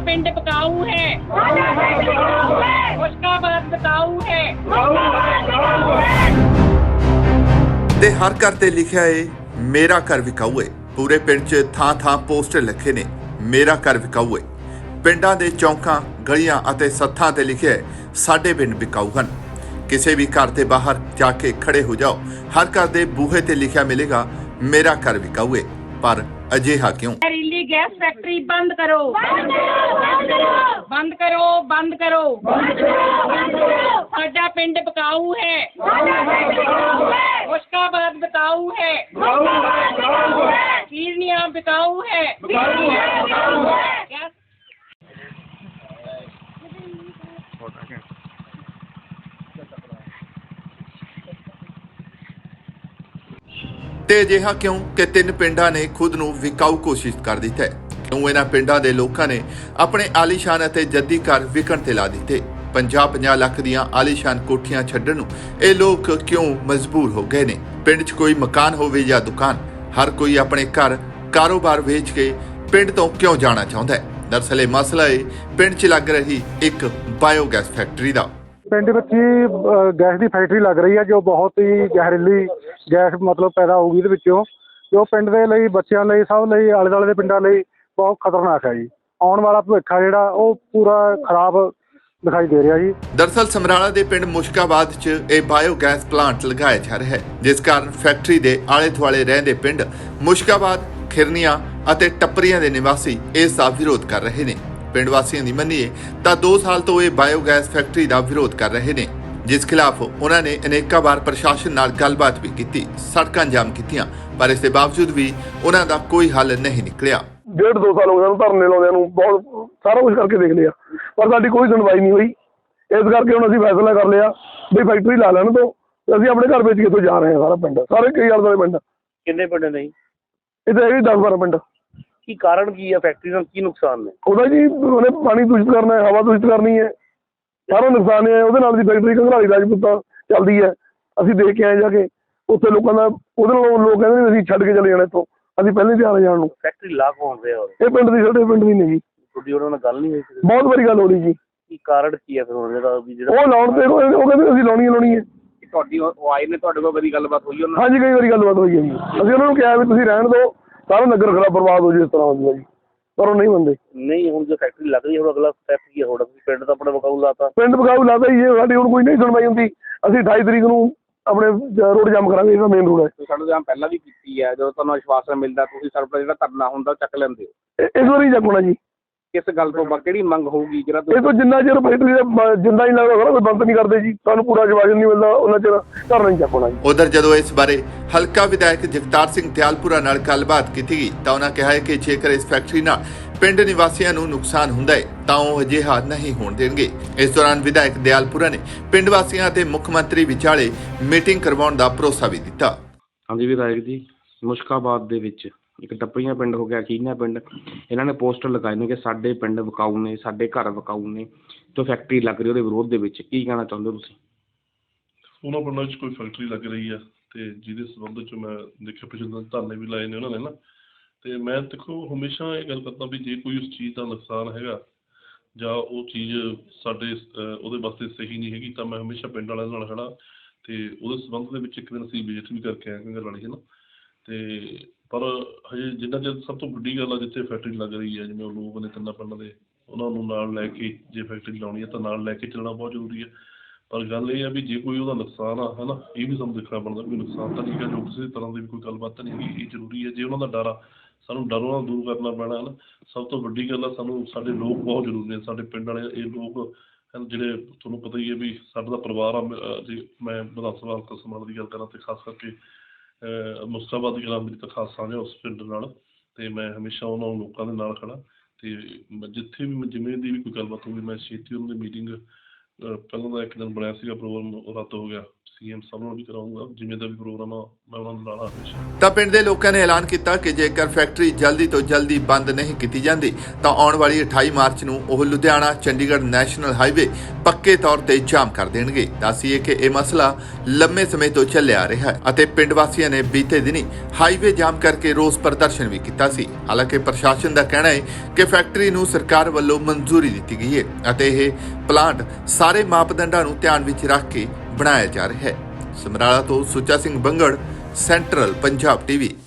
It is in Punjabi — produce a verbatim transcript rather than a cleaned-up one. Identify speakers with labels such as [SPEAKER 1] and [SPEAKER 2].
[SPEAKER 1] पिंड बिकाऊ है, मुश्काबाद बिकाऊ है।
[SPEAKER 2] ते हर घर ते लिखिया है मेरा घर विकाऊ है। पूरे पिंड च थां थां पोस्टर लिखे ने मेरा घर विकाऊ है। पिंडां दे चौंकां गलियां अते सत्थां ते लिखिया है साडे पिंड विकाऊ हन। किसी भी घर के बाहर जाके खड़े हो जाओ, हर घर के बूहे ते लिखिया मिलेगा मेरा घर विकाऊ है। पर अजिहा क्यों?
[SPEAKER 1] जहरीली गैस फैक्ट्री बंद करो, बंद करो, बंद करो। साडा पिंड बिकाऊ है, मुश्काबाद बिकाऊ है, कीरनिया बिकाऊ है। गैस
[SPEAKER 2] ਤੇ ਅਜਿਹਾ ਕਿਉਂ ਕਿ ਤਿੰਨ ਪਿੰਡਾਂ ਨੇ ਖੁਦ ਨੂੰ ਵਿਕਾਊ ਘੋਸ਼ਿਤ ਕਰ ਦਿੱਤਾ ਹੈ? ਕਿਉਂ ਇਹਨਾਂ ਪਿੰਡਾਂ ਦੇ ਲੋਕਾਂ ਨੇ ਆਪਣੇ ਆਲੀਸ਼ਾਨ ਅਤੇ ਜੱਦੀ ਘਰ ਵਿਕਣ ਤੇ ਲਾ ਦਿੱਤੇ? ਪੰਜਾਹ ਪੰਜਾਹ ਲੱਖ ਦੀਆਂ ਆਲੀਸ਼ਾਨ ਕੋਠੀਆਂ ਛੱਡਣ ਨੂੰ ਇਹ ਲੋਕ ਕਿਉਂ ਮਜਬੂਰ ਹੋ ਗਏ ਨੇ? ਪਿੰਡ 'ਚ ਕੋਈ ਮਕਾਨ ਹੋਵੇ ਜਾਂ ਦੁਕਾਨ, ਹਰ ਕੋਈ ਆਪਣੇ ਘਰ ਕਾਰੋਬਾਰ ਵੇਚ ਕੇ ਪਿੰਡ ਤੋਂ ਕਿਉਂ ਜਾਣਾ ਚਾਹੁੰਦਾ ਹੈ? ਦਰਅਸਲ ਇਹ ਮਸਲਾ ਹੈ ਪਿੰਡ 'ਚ ਲੱਗ ਰਹੀ ਇੱਕ ਬਾਇਓਗੈਸ ਫੈਕਟਰੀ ਦਾ।
[SPEAKER 3] ਪਿੰਡ ਵਿੱਚ ਹੀ ਗੈਸ ਦੀ ਫੈਕਟਰੀ ਲੱਗ ਰਹੀ ਹੈ ਜੋ ਬਹੁਤ ਹੀ ਜ਼ਹਿਰੀਲੀ ਗੈਸ ਮਤਲਬ ਪੈਦਾ ਹੋਊਗੀ ਇਹਦੇ ਵਿੱਚੋਂ, ਜੋ ਪਿੰਡ ਦੇ ਲਈ, ਬੱਚਿਆਂ ਲਈ, ਸਭ ਲਈ, ਆਲੇ ਦੁਆਲੇ ਦੇ ਪਿੰਡਾਂ ਲਈ ਬਹੁਤ ਖਤਰਨਾਕ ਹੈ ਜੀ। ਆਉਣ ਵਾਲਾ ਭਵਿੱਖ ਆ ਜਿਹੜਾ ਉਹ ਪੂਰਾ ਖਰਾਬ ਦਿਖਾਈ ਦੇ ਰਿਹਾ ਜੀ।
[SPEAKER 2] ਦਰਅਸਲ ਸਮਰਾਲਾ ਦੇ ਪਿੰਡ ਮੁਸ਼ਕਾਬਾਦ 'ਚ ਇਹ ਬਾਇਓਗੈਸ ਪਲਾਂਟ ਲਗਾਇਆ ਜਾ ਰਿਹਾ ਹੈ, ਜਿਸ ਕਾਰਨ ਫੈਕਟਰੀ ਦੇ ਆਲੇ ਦੁਆਲੇ ਰਹਿੰਦੇ ਪਿੰਡ ਮੁਸ਼ਕਾਬਾਦ, ਖਿਰਨੀਆਂ ਅਤੇ ਟੱਪਰੀਆਂ ਦੇ ਨਿਵਾਸੀ ਇਸ ਦਾ ਵਿਰੋਧ ਕਰ ਰਹੇ ਨੇ। ਪਿੰਡ ਵਾਸੀਆਂ ਦੀ ਮੰਨੀਏ ਤਾਂ ਦੋ ਸਾਲ ਤੋਂ ਇਹ ਬਾਇਓਗੈਸ ਫੈਕਟਰੀ ਦਾ ਵਿਰੋਧ ਕਰ ਰਹੇ ਨੇ, ਜਿਸ ਖਿਲਾਫ ਉਹਨਾਂ ਨੇ ਅਨੇਕਾਂ ਵਾਰ ਪ੍ਰਸ਼ਾਸਨ ਨਾਲ ਗੱਲਬਾਤ ਵੀ ਕੀਤੀ, ਸੜਕਾਂ ਜਾਮ ਕੀਤੀਆਂ, ਪਰ ਇਸ ਦੇ ਬਾਵਜੂਦ ਵੀ ਉਹਨਾਂ ਦਾ ਕੋਈ ਹੱਲ ਨਹੀਂ ਨਿਕਲਿਆ।
[SPEAKER 4] ਡੇਢ ਦੋ ਸਾਲ ਹੋ ਗਏ ਧਰਨੇ ਲਾਉਂਦਿਆਂ ਨੂੰ, ਬਹੁਤ ਸਾਰਾ ਕੁਝ ਕਰਕੇ ਦੇਖ ਲਿਆ ਪਰ ਸਾਡੀ ਕੋਈ ਸੁਣਵਾਈ ਨਹੀਂ ਹੋਈ। ਇਸ ਕਰਕੇ ਹੁਣ ਅਸੀਂ ਫੈਸਲਾ ਕਰ ਲਿਆ ਵੀ ਫੈਕਟਰੀ ਲਾ ਲੈਣ ਤੋਂ ਅਸੀਂ ਆਪਣੇ ਘਰ ਵੇਚ ਕੇ ਇੱਥੋਂ ਜਾ ਰਹੇ ਹਾਂ। ਸਾਰਾ ਪਿੰਡ, ਸਾਰੇ ਕਈ ਆਲੇ ਦੁਆਲੇ ਪਿੰਡ।
[SPEAKER 5] ਕਿੰਨੇ ਪਿੰਡ ਨੇ?
[SPEAKER 4] ਇੱਥੇ ਹੈਗੇ ਦਸ ਬਾਰਾਂ ਪਿੰਡ।
[SPEAKER 5] ਕੀ ਕਾਰਨ ਕੀ ਹੈ? ਫੈਕਟਰੀ ਨਾਲ ਕੀ ਨੁਕਸਾਨ ਨੇ?
[SPEAKER 4] ਉਹਦਾ ਜੀ ਉਹਨੇ ਪਾਣੀ ਦੂਸ਼ਿਤ ਕਰਨਾ ਹੈ, ਹਵਾ ਦੂਸ਼ਿਤ ਕਰਨੀ ਹੈ, ਸਾਰਾ ਨੁਕਸਾਨ ਹੈ ਉਹਦੇ ਨਾਲ ਦੀ। ਫੈਕਟਰੀ ਘੰਗਰਾਲੀ ਰਾਜਪੂਤਾਂ ਚੱਲਦੀ ਹੈ, ਅਸੀਂ ਦੇਖ ਕੇ ਆਏ ਜਾ ਕੇ ਉੱਥੇ ਲੋਕਾਂ ਦਾ। ਉਹਦੇ ਨਾਲ ਲੋਕ ਕਹਿੰਦੇ ਨੇ ਅਸੀਂ ਛੱਡ ਕੇ ਚਲੇ ਜਾਣਾ ਇੱਥੋਂ, ਅਸੀਂ ਪਹਿਲੇ ਤਿਆਰ ਆ ਜਾਣ ਨੂੰ।
[SPEAKER 5] ਫੈਕਟਰੀ ਲਾ ਕੌਣ ਰਿਹਾ?
[SPEAKER 4] ਇਹ ਪਿੰਡ ਦੀ, ਸਾਡੇ ਪਿੰਡ ਦੀ ਨਹੀਂ ਜੀ।
[SPEAKER 5] ਤੁਹਾਡੀ ਉਹਨਾਂ ਨਾਲ ਗੱਲ ਨਹੀਂ ਹੋਈ?
[SPEAKER 4] ਬਹੁਤ ਵਾਰੀ ਗੱਲ ਹੋ ਰਹੀ ਜੀ।
[SPEAKER 5] ਕੀ ਕਾਰਨ ਕੀ ਹੈ ਫਿਰ ਹੁਣ ਜਿਹੜਾ ਜਿਹੜਾ
[SPEAKER 4] ਉਹ ਲਾਉਣ ਤੇ ਉਹ ਕਹਿੰਦੇ ਅਸੀਂ ਲਾਉਣੀ ਲਾਉਣੀ ਹੈ।
[SPEAKER 5] ਤੁਹਾਡੀ ਉਹ ਆਏ ਨੇ, ਤੁਹਾਡੇ ਕੋਲ ਕਦੀ ਗੱਲਬਾਤ ਹੋਈ ਉਹਨਾਂ?
[SPEAKER 4] ਹਾਂਜੀ ਕਈ ਵਾਰੀ ਗੱਲਬਾਤ ਹੋਈ ਹੈ ਜੀ। ਅਸੀਂ ਉਹਨਾਂ ਨੂੰ ਕਿਹਾ ਵੀ ਤੁਸੀਂ ਰਹਿਣ ਦਿਓ, ਸਾਰਾ ਨਗਰ ਖਰਾਬ ਬਰਬਾਦ ਹੋ ਜਾਏ ਇਸ ਤਰ੍ਹਾਂ ਹੁੰਦਾ ਜੀ, ਪਰ ਉਹ ਨਹੀਂ ਮੰਨਦੇ।
[SPEAKER 5] ਨਹੀਂ ਹੁਣ ਜੋ ਫੈਕਟਰੀ ਲੱਗ ਰਹੀ ਹੈ ਹੁਣ ਅਗਲਾ ਸਟੈਪ ਕੀ ਹੈ ਤੁਹਾਡਾ? ਤੁਸੀਂ ਪਿੰਡ ਤਾਂ ਆਪਣਾ ਵਿਕਾਊ ਲਾਤਾ।
[SPEAKER 4] ਪਿੰਡ ਵਿਕਾਊ ਲਾਤਾ ਜੀ। ਸਾਡੀ ਹੁਣ ਕੋਈ ਨਹੀਂ ਸੁਣਵਾਈ ਹੁੰਦੀ। ਅਸੀਂ ਅਠਾਈ ਤਰੀਕ ਨੂੰ ਆਪਣੇ ਰੋਡ ਜਾਮ ਕਰਾਂਗੇ, ਇਹਦਾ ਮੇਨ ਰੋਡ ਹੈ।
[SPEAKER 5] ਸਾਡੇ ਜਾਮ ਪਹਿਲਾਂ ਵੀ ਕੀਤੀ ਹੈ, ਜਦੋਂ ਤੁਹਾਨੂੰ ਵਿਸ਼ਵਾਸ ਮਿਲਦਾ ਤੁਸੀਂ ਸਾਡਾ ਜਿਹੜਾ ਧਰਨਾ ਹੁੰਦਾ ਚੱਕ ਲੈਂਦੇ ਹੋ।
[SPEAKER 4] ਇਸ ਵਾਰੀ ਚੱਕਣਾ ਜੀ।
[SPEAKER 5] ਕਿਸ ਗੱਲ ਤੋਂ ਕਿਹੜੀ ਮੰਗ ਹੋਊਗੀ ਜਿਹੜਾ
[SPEAKER 4] ਇਹ ਤੋਂ ਜਿੰਨਾ ਚਿਰ ਫੈਕਟਰੀ ਦਾ ਜਿੰਦਾ ਹੀ ਲੱਗਦਾ ਸਾਰਾ ਕੋਈ ਬੰਦ ਨਹੀਂ ਕਰਦੇ ਜੀ, ਸਾਨੂੰ ਪੂਰਾ ਜਵਾਬ ਨਹੀਂ ਮਿਲਦਾ ਉਹਨਾਂ ਚਿਰ ਧਰਨਾ ਨਹੀਂ ਚੱਕਣਾ ਜੀ।
[SPEAKER 2] ਉਧਰ ਜਦੋਂ ਇਸ ਬਾਰੇ ਹਲਕਾ ਵਿਧਾਇਕ ਜਗਤਾਰ ਸਿੰਘ ਦਿਆਲਪੁਰਾ ਨਾਲ ਗੱਲਬਾਤ ਕੀਤੀ ਗਈ ਤਾਂ ਉਹਨਾਂ ਕਿਹਾ ਹੈ ਕਿ ਜੇਕਰ ਇਸ ਫੈਕਟਰੀ ਨਾਲ ਪਿੰਡ ਨਿਵਾਸੀਆਂ ਨੂੰ ਨੁਕਸਾਨ ਹੁੰਦਾ ਹੈ ਤਾਂ ਉਹ ਅਜਿਹਾ ਨਹੀਂ ਹੋਣ ਦੇਣਗੇ। ਇਸ ਦੌਰਾਨ ਵਿਧਾਇਕ ਦਿਆਲਪੁਰਾ ਨੇ ਪਿੰਡ ਵਾਸੀਆਂ ਅਤੇ ਮੁੱਖ ਮੰਤਰੀ ਵਿਚਾਲੇ ਮੀਟਿੰਗ ਕਰਵਾਉਣ ਦਾ ਭਰੋਸਾ ਵੀ ਦਿੱਤਾ।
[SPEAKER 6] ਹਾਂਜੀ ਵਿਧਾਇਕ ਜੀ, ਮੁਸ਼ਕਾਬਾਦ ਦੇ ਵਿੱਚ ਇੱਕ ਟੱਪਰੀਆਂ ਪਿੰਡ ਹੋ ਗਿਆ, ਕੀਨਾ ਪਿੰਡ, ਇਹਨਾਂ ਨੇ ਪੋਸਟਰ ਲਗਾਏ ਨੇ ਕਿ ਸਾਡੇ ਪਿੰਡ ਵਿਕਾਊ ਨੇ, ਸਾਡੇ ਘਰ ਵਿਕਾਊ ਨੇ, ਜੋ ਫੈਕਟਰੀ ਲੱਗ ਰਹੀ ਉਹਦੇ ਵਿਰੋਧ ਦੇ ਵਿੱਚ ਕੀ ਕਹਿਣਾ ਚਾਹੁੰਦੇ ਹੋ ਤੁਸੀਂ?
[SPEAKER 7] ਉਹਨਾਂ ਪਿੰਡਾਂ 'ਚ ਕੋਈ ਫੈਕਟਰੀ ਲੱਗ ਰਹੀ ਹੈ ਤੇ ਜਿਹਦੇ ਸੰਬੰਧ 'ਚ ਮੈਂ ਦੇਖਿਆ ਪਿਛਲੇ ਦਿਨ ਧਰਨੇ ਵੀ ਲਾਏ ਨੇ ਉਹਨਾਂ ਨੇ ਨਾ, ਤੇ ਮੈਂ ਦੇਖੋ ਹਮੇਸ਼ਾ ਇਹ ਗੱਲ ਕਰਦਾ ਵੀ ਜੇ ਕੋਈ ਉਸ ਚੀਜ਼ ਦਾ ਨੁਕਸਾਨ ਹੈਗਾ ਜਾਂ ਉਹ ਚੀਜ਼ ਸਾਡੇ ਉਹਦੇ ਵਾਸਤੇ ਸਹੀ ਨਹੀਂ ਹੈਗੀ ਤਾਂ ਮੈਂ ਹਮੇਸ਼ਾ ਪਿੰਡ ਵਾਲਿਆਂ ਨਾਲ ਖੜਾ। ਤੇ ਉਹਦੇ ਸੰਬੰਧ ਦੇ ਵਿੱਚ ਇੱਕ ਦਿਨ ਅਸੀਂ ਵਿਜ਼ਿਟ ਵੀ ਕਰਕੇ ਆਏ ਘੰਗਰਾਲੀ, ਹੈ ਨਾ। ਤੇ ਪਰ ਹਜੇ ਜਿੰਨਾ ਚਿਰ ਸਭ ਤੋਂ ਵੱਡੀ ਗੱਲ ਆ ਜਿੱਥੇ ਫੈਕਟਰੀ ਲੱਗ ਰਹੀ ਹੈ, ਜਿਵੇਂ ਉਹ ਲੋਕ ਨੇ ਤਿੰਨਾਂ ਪਿੰਡਾਂ ਦੇ, ਉਹਨਾਂ ਨੂੰ ਨਾਲ ਲੈ ਕੇ ਜੇ ਫੈਕਟਰੀ ਲਾਉਣੀ ਹੈ ਤਾਂ ਨਾਲ ਲੈ ਕੇ ਚੱਲਣਾ ਬਹੁਤ ਜ਼ਰੂਰੀ ਹੈ। ਪਰ ਗੱਲ ਇਹ ਹੈ ਵੀ ਜੇ ਕੋਈ ਉਹਦਾ ਨੁਕਸਾਨ ਆ, ਹੈ ਨਾ, ਇਹ ਵੀ ਸਾਨੂੰ ਦੇਖਣਾ ਪੈਂਦਾ ਕੋਈ ਨੁਕਸਾਨ ਤਾਂ ਨਹੀਂ ਹੈਗਾ, ਜੋ ਕਿਸੇ ਤਰ੍ਹਾਂ ਦੀ ਵੀ ਕੋਈ ਗੱਲਬਾਤ ਤਾਂ ਨਹੀਂ ਹੈਗੀ। ਇਹ ਜ਼ਰੂਰੀ ਹੈ। ਜੇ ਉਹਨਾਂ ਦਾ ਡਰ ਆ ਸਾਨੂੰ ਡਰੋਂ ਨਾਲ ਦੂਰ ਕਰਨਾ ਪੈਣਾ, ਹੈ ਨਾ। ਸਭ ਤੋਂ ਵੱਡੀ ਗੱਲ ਆ ਸਾਨੂੰ ਸਾਡੇ ਲੋਕ ਬਹੁਤ ਜ਼ਰੂਰੀ ਨੇ, ਸਾਡੇ ਪਿੰਡ ਵਾਲੇ ਇਹ ਲੋਕ ਜਿਹੜੇ ਤੁਹਾਨੂੰ ਪਤਾ ਹੀ ਹੈ ਵੀ ਸਾਡਾ ਦਾ ਪਰਿਵਾਰ ਆ। ਜੇ ਮੈਂ ਵਿਧਾਨ ਸਭਾ ਹਲਕਾ ਸਮਰਾਲਾ ਦੀ ਗੱਲ ਕਰਾਂ ਤਾਂ ਖਾਸ ਕਰਕੇ ਮੁਸ਼ਕਾਬਾਦ ਦੀ ਗੱਲ ਮੇਰੀ ਤਾਂ ਖਾਸ ਸਾਂਝ ਉਸ ਪਿੰਡ ਨਾਲ, ਅਤੇ ਮੈਂ ਹਮੇਸ਼ਾ ਉਹਨਾਂ ਲੋਕਾਂ ਦੇ ਨਾਲ ਖੜਾ। ਅਤੇ ਜਿੱਥੇ ਵੀ ਜਿਵੇਂ ਦੀ ਵੀ ਕੋਈ ਗੱਲਬਾਤ ਹੋਊਗੀ ਮੈਂ ਛੇਤੀ ਉਹਨਾਂ ਦੀ ਮੀਟਿੰਗ, ਪਹਿਲਾਂ ਦਾ ਇੱਕ ਦਿਨ ਬਣਿਆ ਸੀਗਾ ਪ੍ਰੋਗਰਾਮ, ਉਹ ਰੱਦ ਹੋ ਗਿਆ, ਸੀਐਮ ਸਾਹਿਬ ਨਾਲ ਵੀ ਕਰਾਉਂਗਾ, ਜਿਵੇਂ ਦਾ ਵੀ ਪ੍ਰੋਗਰਾਮ ਆ ਮੈਂ ਉਹਨਾਂ ਨੂੰ ਲਾਣਾ ਹਮੇਸ਼ਾ।
[SPEAKER 2] ਤਾਂ ਪਿੰਡ ਦੇ ਲੋਕਾਂ ਨੇ ਐਲਾਨ ਕੀਤਾ ਕਿ ਜੇਕਰ ਫੈਕਟਰੀ ਜਲਦੀ ਤੋਂ ਜਲਦੀ ਬੰਦ ਨਹੀਂ ਕੀਤੀ ਜਾਂਦੀ ਤਾਂ ਆਉਣ ਵਾਲੀ ਅਠਾਈ ਮਾਰਚ ਨੂੰ ਉਹ ਲੁਧਿਆਣਾ ਚੰਡੀਗੜ੍ਹ ਨੈਸ਼ਨਲ ਹਾਈਵੇ ਪੱਕੇ ਤੌਰ ਤੇ ਜਾਮ ਕਰ ਦੇਣਗੇ। ਦੱਸੀਏ ਕਿ ਇਹ ਮਸਲਾ ਲੰਮੇ ਸਮੇਂ ਤੋਂ ਚੱਲਿਆ ਆ ਰਿਹਾ ਹੈ ਅਤੇ ਪਿੰਡ ਵਾਸੀਆਂ ਨੇ ਬੀਤੇ ਦਿਨੀ ਹਾਈਵੇ ਜਾਮ ਕਰਕੇ ਰੋਸ ਪ੍ਰਦਰਸ਼ਨ ਵੀ ਕੀਤਾ ਸੀ। ਹਾਲਾਂਕਿ ਪ੍ਰਸ਼ਾਸਨ ਦਾ ਕਹਿਣਾ ਹੈ ਕਿ ਫੈਕਟਰੀ ਨੂੰ ਸਰਕਾਰ ਵੱਲੋਂ ਮਨਜ਼ੂਰੀ ਦਿੱਤੀ ਗਈ ਹੈ ਅਤੇ ਇਹ ਪਲਾਂਟ ਸਾਰੇ ਮਾਪਦੰਡਾਂ ਨੂੰ ਧਿਆਨ ਵਿੱਚ ਰੱਖ ਕੇ ਬਣਾਇਆ ਜਾ ਰਿਹਾ ਹੈ। ਸਮਰਾਲਾ ਤੋਂ ਸੁੱਚਾ ਸਿੰਘ ਬੰਗੜ, ਸੈਂਟਰਲ ਪੰਜਾਬ ਟੀਵੀ।